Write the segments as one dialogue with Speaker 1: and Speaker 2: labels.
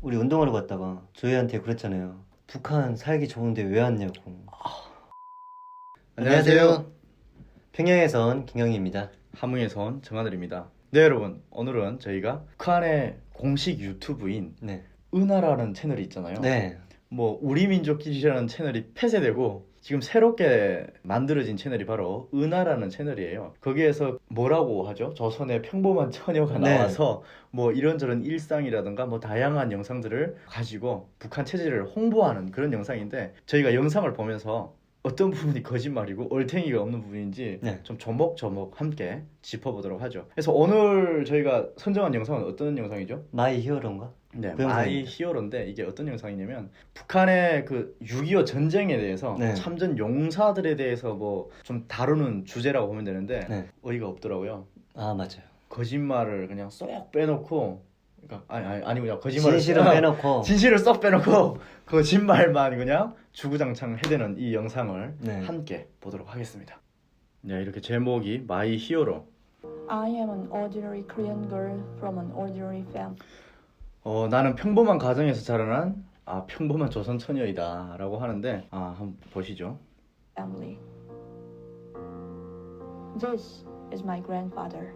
Speaker 1: 우리 운동하러 갔다가 저희한테 그랬잖아요. 북한 살기 좋은데 왜 왔냐고. 안녕하세요. 평양에선 김영희입니다.
Speaker 2: 함흥에선 정하늘입니다. 네, 여러분, 오늘은 저희가 북한의 공식 유튜브인
Speaker 1: 네.
Speaker 2: 은하라는 채널이 있잖아요.
Speaker 1: 네.
Speaker 2: 뭐 우리 민족기지라는 채널이 폐쇄되고 지금 새롭게 만들어진 채널이 바로 은하라는 채널이에요. 거기에서 뭐라고 하죠? 조선의 평범한 처녀가
Speaker 1: 네.
Speaker 2: 나와서 뭐 이런저런 일상이라든가 뭐 다양한 영상들을 가지고 북한 체제를 홍보하는 그런 영상인데, 저희가 영상을 보면서 어떤 부분이 거짓말이고 얼탱이가 없는 부분인지
Speaker 1: 네.
Speaker 2: 좀 조목조목 함께 짚어보도록 하죠. 그래서 오늘 저희가 선정한 영상은 어떤 영상이죠?
Speaker 1: 마이 히어로인가?
Speaker 2: 네,
Speaker 1: 그
Speaker 2: 마이
Speaker 1: 영상입니다.
Speaker 2: 히어로인데, 이게 어떤 영상이냐면 북한의 그 6.25 전쟁에 대해서
Speaker 1: 네.
Speaker 2: 참전 용사들에 대해서 뭐 좀 다루는 주제라고 보면 되는데
Speaker 1: 네.
Speaker 2: 어이가 없더라고요.
Speaker 1: 아, 맞아요.
Speaker 2: 거짓말을 그냥 쏙 빼놓고, 그러니까 아니 그냥 거짓말을
Speaker 1: 진실은 빼놓고.
Speaker 2: 진실을 쏙 빼놓고 거짓말만 그냥 주구장창 해대는 이 영상을
Speaker 1: 네.
Speaker 2: 함께 보도록 하겠습니다. 네, 이렇게 제목이 마이 히어로.
Speaker 3: I am an ordinary Korean girl from an ordinary family.
Speaker 2: 나는 평범한 가정에서 자라난 평범한 조선 처녀이다 라고 하는데, 한번 보시죠.
Speaker 3: This is my grandfather.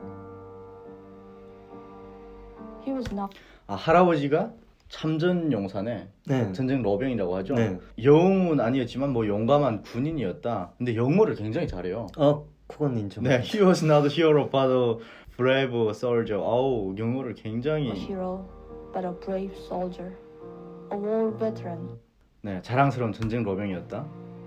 Speaker 3: He was not
Speaker 2: 할아버지가 참전 용사네.
Speaker 1: 네.
Speaker 2: 전쟁 로병이라고 하죠.
Speaker 1: 네.
Speaker 2: 영웅은 아니었지만 뭐 용감한 군인이었다. 근데 영어를 굉장히 잘해요.
Speaker 1: 그건 인정.
Speaker 2: 네, he was not a hero but a brave soldier. 아우, 영어를
Speaker 3: a
Speaker 2: 굉장히
Speaker 3: hero, but a brave soldier, a war veteran.
Speaker 2: 자랑스러운 전쟁 로병이었다.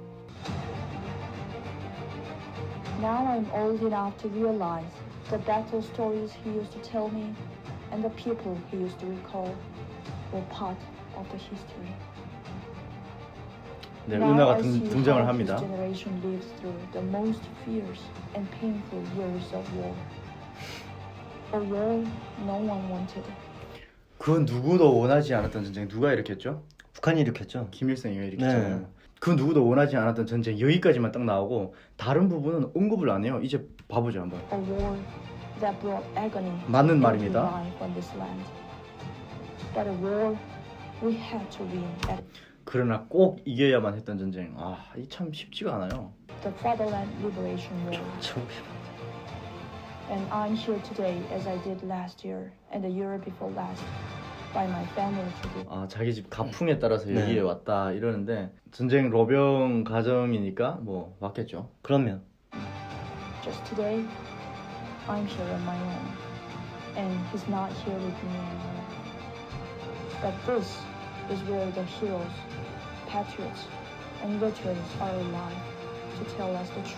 Speaker 3: Now I'm old enough to realize the battle stories he used to tell me and the people he used to recall were part of the history.
Speaker 2: 네,
Speaker 3: Now
Speaker 2: 은하가
Speaker 3: I see
Speaker 2: 등장을
Speaker 3: how
Speaker 2: 합니다.
Speaker 3: his generation lives through the most fierce and painful years of war. A war no one wanted.
Speaker 2: 그 누구도 원하지 않았던 전쟁 누가 일으켰죠?
Speaker 1: 북한이 일으켰죠.
Speaker 2: 김일성이가 일으켰잖아요.
Speaker 1: 네.
Speaker 2: 그 누구도 원하지 않았던 전쟁 여기까지만 딱 나오고 다른 부분은 언급을 안 해요. 이제 봐보죠 한번.
Speaker 3: A war that brought agony
Speaker 2: 맞는
Speaker 3: to
Speaker 2: 말입니다.
Speaker 3: every life on this land. But a war we had to win at
Speaker 2: 그러나 꼭 이겨야만 했던 전쟁. 이 참 쉽지가 않아요.
Speaker 3: the Fatherland Liberation War. And I'm here today as I did last year and the year before last by my family tribute.
Speaker 2: 자기 집 가풍에 따라서
Speaker 1: 네.
Speaker 2: 여기에 왔다 이러는데, 전쟁 로병 가정이니까 뭐 왔겠죠.
Speaker 1: 그러면
Speaker 3: Just today, I'm here on my own, and he's not here with me anymore. But this is where the heroes, patriots, and veterans are alive to tell us the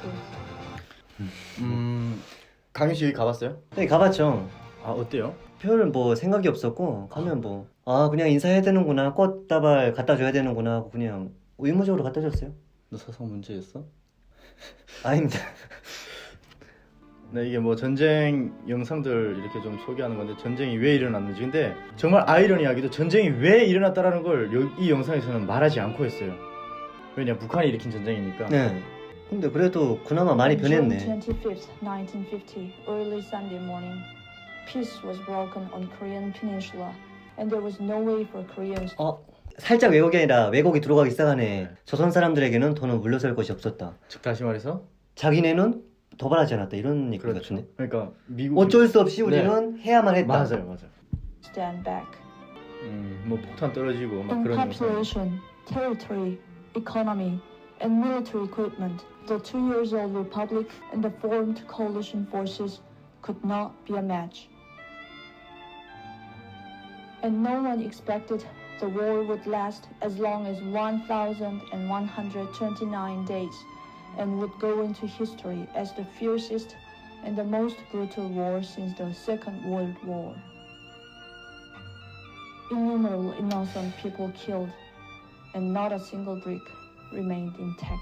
Speaker 3: truth.
Speaker 2: 강윤 씨 여기 가봤어요?
Speaker 1: 네, 가봤죠.
Speaker 2: 어때요?
Speaker 1: 별 뭐 생각이 없었고 가면 뭐 그냥 인사해야 되는구나, 꽃다발 갖다 줘야 되는구나 하고 그냥 의무적으로 갖다 줬어요.
Speaker 2: 너 사성 문제였어?
Speaker 1: 아닙니다.
Speaker 2: 네, 이게 뭐 전쟁 영상들 이렇게 좀 소개하는 건데, 전쟁이 왜 일어났는지. 근데 정말 아이러니하게도 전쟁이 왜 일어났다라는 걸 이 영상에서는 말하지 않고 했어요. 왜냐, 북한이 일으킨 전쟁이니까.
Speaker 1: 네. 근데 그래도 그나마 많이
Speaker 3: On
Speaker 1: 변했네.
Speaker 3: June 25th, 1950, early Sunday morning, peace was broken on Korean Peninsula, and there was no way for Koreans
Speaker 1: 살짝 왜곡이 아니라 왜곡이 들어가기 시작하네. 조선 사람들에게는 더는 물러설 것이 없었다.
Speaker 2: 즉 다시 말해서
Speaker 1: 자기네는 도발하지 않았다, 이런 얘기
Speaker 2: 그렇죠.
Speaker 1: 같은데.
Speaker 2: 그러니까 미국
Speaker 1: 어쩔 수 없이 우리는 해야만 했다.
Speaker 2: 맞아요.
Speaker 3: stand back.
Speaker 2: 뭐 폭탄 떨어지고 막
Speaker 3: In
Speaker 2: 그런 영상.
Speaker 3: population, territory, economy, and military equipment, the 2 years old republic and the formed coalition forces could not be a match. And no one expected the war would last as long as 1,129 days and would go into history as the fiercest and the most brutal war since the Second World War. Innumerable innocent people killed, and not a single brick remained intact.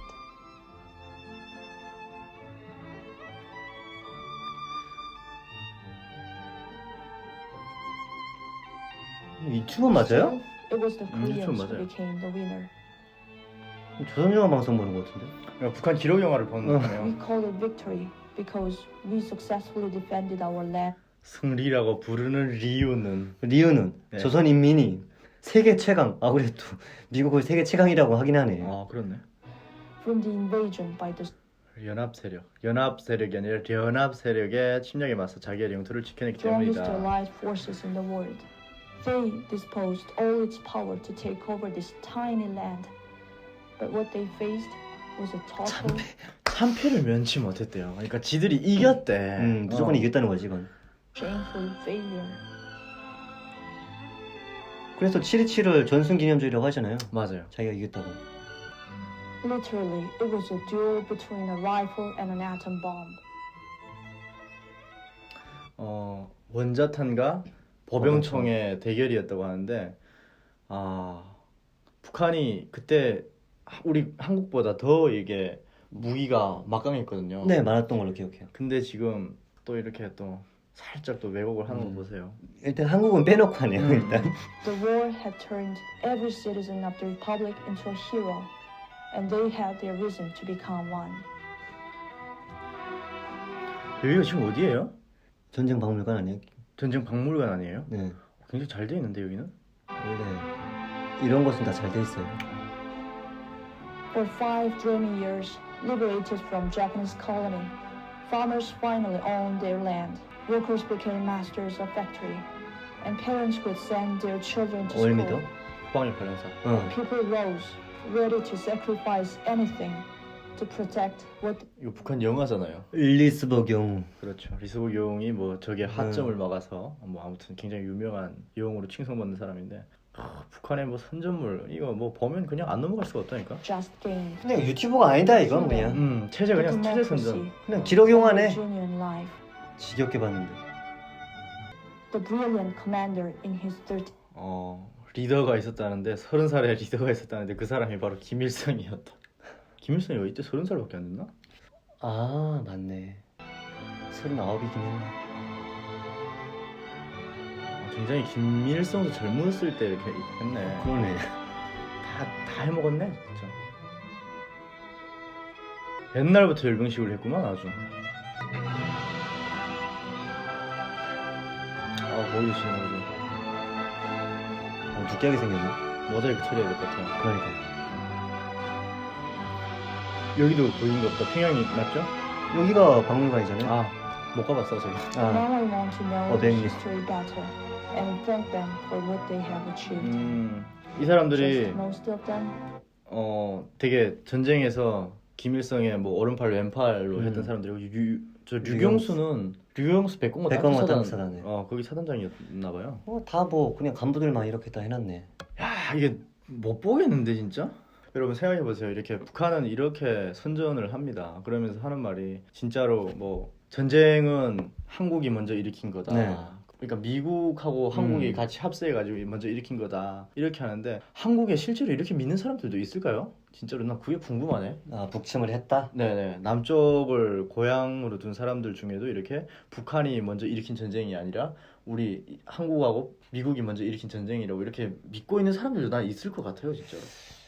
Speaker 1: 유튜브 맞아요?
Speaker 3: It was the Koreans
Speaker 2: 유튜브
Speaker 3: who
Speaker 2: 맞아요.
Speaker 3: became the winner.
Speaker 1: 조선중앙 방송 보는 것 같은데.
Speaker 2: 그러니까 북한 기록 영화를 보는
Speaker 3: We
Speaker 2: 거예요.
Speaker 3: call it victory because we successfully defended our land.
Speaker 2: 승리라고 부르는 리우는
Speaker 1: 리우는
Speaker 2: 네.
Speaker 1: 조선인민이 세계 최강. 아 그래도 미국을 세계 최강이라고 하긴 하네.
Speaker 2: 아 그렇네.
Speaker 3: from the invasion by the
Speaker 2: 연합 세력이 아니라 연합 세력의 침략에 맞서 자기의 영토를 지켜냈기
Speaker 3: strongest
Speaker 2: 때문이다.
Speaker 3: allied forces in the world. They disposed all its power to take over this tiny land. But what they faced was a total
Speaker 2: 참패를 면치 못했대요. 그러니까 지들이 이겼대.
Speaker 1: 무조건 이겼다는 거지 이건.
Speaker 3: shameful failure.
Speaker 1: 그래서 7.27을 전승기념주의라고 하잖아요.
Speaker 2: 맞아요.
Speaker 1: 자기가 이겼다고.
Speaker 3: Literally, it was a duel between a rifle and an atom bomb.
Speaker 2: 원자탄과 보병총의 대결이었다고 하는데 북한이 그때 우리 한국보다 더 이게 무기가 막강했거든요.
Speaker 1: 네, 많았던 걸로 기억해요.
Speaker 2: 근데 지금 또 이렇게 또 살짝 또 왜곡을 하는 거 보세요.
Speaker 1: 일단 한국은 빼놓고 하네요. 일단.
Speaker 3: The war had turned every citizen of the republic into a hero, and they had their reason to become one.
Speaker 2: 여기가 지금 어디예요?
Speaker 1: 전쟁 박물관 아니에요?
Speaker 2: 전쟁 박물관 아니에요?
Speaker 1: 네.
Speaker 2: 굉장히 잘 돼 있는데 여기는?
Speaker 1: 원래 이런 것은 다 잘 돼 있어요.
Speaker 3: For 5 dreamy years, liberated from Japanese colony, farmers finally owned their land. Workers became masters of factory, and parents could send their children to
Speaker 1: 5일
Speaker 3: school.
Speaker 1: 믿어?
Speaker 2: 국방력 관련사.
Speaker 3: People rose, ready to sacrifice anything to protect what
Speaker 2: 이거 북한 영화잖아요.
Speaker 1: 일리스버그 용.
Speaker 2: 그렇죠. 리스버그 용이 뭐 적의 하점을 막아서 뭐 아무튼 굉장히 유명한 용으로 칭송받는 사람인데 북한의 뭐 선전물 이거 뭐 보면 그냥 안 넘어갈 수가 없다니까.
Speaker 3: just gained.
Speaker 1: 그냥 유튜버가 아니다 이건 그냥.
Speaker 2: 체제 그냥 체제 선전.
Speaker 3: democracy
Speaker 1: 그냥 기록용하네.
Speaker 3: and genuine life.
Speaker 1: 지겹게 봤는데.
Speaker 3: The brilliant commander in his 30
Speaker 2: 리더가 있었다는데 30살의 리더가 있었다는데 그 사람이 바로 김일성이었다. 김일성이 왜 이때 30살밖에 안 됐나?
Speaker 1: 아 맞네. 39이긴 했네.
Speaker 2: 굉장히 김일성도 젊었을 때 이렇게 했네.
Speaker 1: 그러네.
Speaker 2: 다 해먹었네 진짜. 옛날부터 열병식을 했구만 아주. 머리 조심해가지고
Speaker 1: 느끼하게 생겼네.
Speaker 2: 모자이크 처리해야 될 것 같아요.
Speaker 1: 그러니까.
Speaker 2: 여기도 보이는 거 없다. 평양이 맞죠?
Speaker 1: 여기가 박물관이잖아요.
Speaker 2: 못 가봤어 저기.
Speaker 3: Now I want to know
Speaker 1: 네.
Speaker 3: the history better and thank them for what they have achieved.
Speaker 2: 이 사람들이
Speaker 3: Just most of them
Speaker 2: 되게 전쟁에서 김일성의 뭐 오른팔 왼팔로 했던 사람들이고 류경수 백공과
Speaker 1: 백공과
Speaker 2: 땅끝
Speaker 1: 땅끝사단이에요.
Speaker 2: 거기 사단장이었나 봐요.
Speaker 1: 다 뭐 그냥 간부들만 이렇게 다 해놨네.
Speaker 2: 야 이게 못 보겠는데 진짜? 여러분 생각해보세요. 이렇게 북한은 이렇게 선전을 합니다. 그러면서 하는 말이 진짜로 뭐 전쟁은 한국이 먼저 일으킨 거다.
Speaker 1: 네.
Speaker 2: 그러니까 미국하고 한국이 같이 합세해가지고 먼저 일으킨 거다. 이렇게 하는데 한국에 실제로 이렇게 믿는 사람들도 있을까요? 진짜로 난 그게 궁금하네.
Speaker 1: 북침을 했다?
Speaker 2: 네네. 남쪽을 고향으로 둔 사람들 중에도 이렇게 북한이 먼저 일으킨 전쟁이 아니라 우리 한국하고 미국이 먼저 일으킨 전쟁이라고 이렇게 믿고 있는 사람들도 난 있을 것 같아요 진짜로.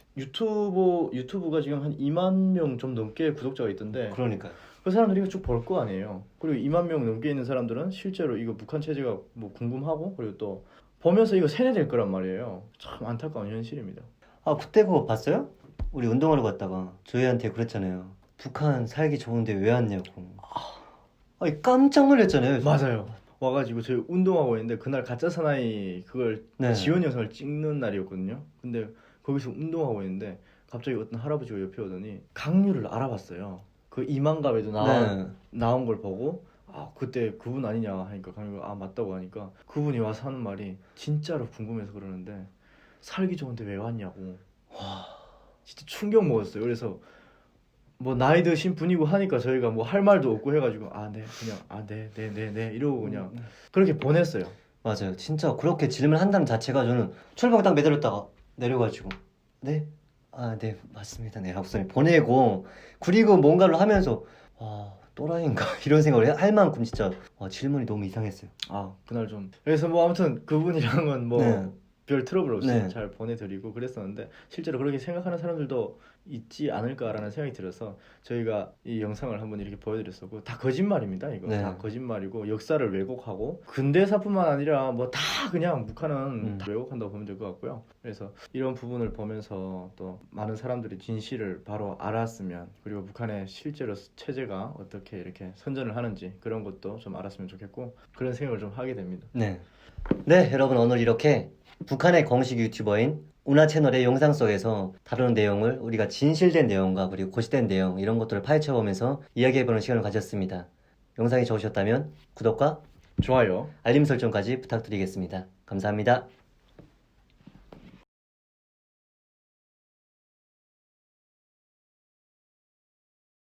Speaker 2: 유튜브가 지금 한 2만 명 좀 넘게 구독자가 있던데
Speaker 1: 그러니까.
Speaker 2: 그 사람들이 이거 쭉 볼 거 아니에요. 그리고 2만 명 넘게 있는 사람들은 실제로 이거 북한 체제가 뭐 궁금하고 그리고 또 보면서 이거 세뇌될 거란 말이에요. 참 안타까운 현실입니다.
Speaker 1: 그때 그거 봤어요? 우리 운동하러 갔다가 저희한테 그랬잖아요. 북한 살기 좋은데 왜 왔냐고. 깜짝 놀랐잖아요.
Speaker 2: 맞아요. 와가지고 저희 운동하고 있는데 그날 가짜 사나이 그걸
Speaker 1: 네.
Speaker 2: 지원 영상을 찍는 날이었거든요. 근데 거기서 운동하고 있는데 갑자기 어떤 할아버지가 옆에 오더니 강류를 알아봤어요. 그 이만갑에도 나온 걸 보고 그때 그분 아니냐 하니까 강류가 맞다고 하니까 그분이 와서 하는 말이 진짜로 궁금해서 그러는데 살기 좋은데 왜 왔냐고. 와 진짜 충격 먹었어요. 그래서 뭐 나이 드신 분이고 하니까 저희가 뭐 할 말도 없고 해가지고 네 이러고 그냥 그렇게 보냈어요.
Speaker 1: 맞아요. 진짜 그렇게 질문한다는 자체가 저는 출발을 딱 매달렸다가 내려가지고 네? 네 맞습니다. 네 하고서 보내고 그리고 뭔가를 하면서 또라이인가 이런 생각을 할 만큼 진짜 질문이 너무 이상했어요.
Speaker 2: 그날 좀 그래서 뭐 아무튼 그분이랑은 뭐
Speaker 1: 네.
Speaker 2: 별 트러블 없이
Speaker 1: 네.
Speaker 2: 잘 보내드리고 그랬었는데 실제로 그렇게 생각하는 사람들도 있지 않을까라는 생각이 들어서 저희가 이 영상을 한번 이렇게 보여드렸었고 다 거짓말입니다. 이거
Speaker 1: 네.
Speaker 2: 다 거짓말이고 역사를 왜곡하고 근대사뿐만 아니라 뭐 다 그냥 북한은 다 왜곡한다고 보면 될 것 같고요. 그래서 이런 부분을 보면서 또 많은 사람들이 진실을 바로 알았으면 그리고 북한의 실제로 체제가 어떻게 이렇게 선전을 하는지 그런 것도 좀 알았으면 좋겠고 그런 생각을 좀 하게 됩니다.
Speaker 1: 네. 네, 여러분 오늘 이렇게 북한의 공식 유튜버인 우나 채널의 영상 속에서 다루는 내용을 우리가 진실된 내용과 그리고 고시된 내용 이런 것들을 파헤쳐보면서 이야기해보는 시간을 가졌습니다. 영상이 좋으셨다면 구독과
Speaker 2: 좋아요.
Speaker 1: 알림 설정까지 부탁드리겠습니다. 감사합니다.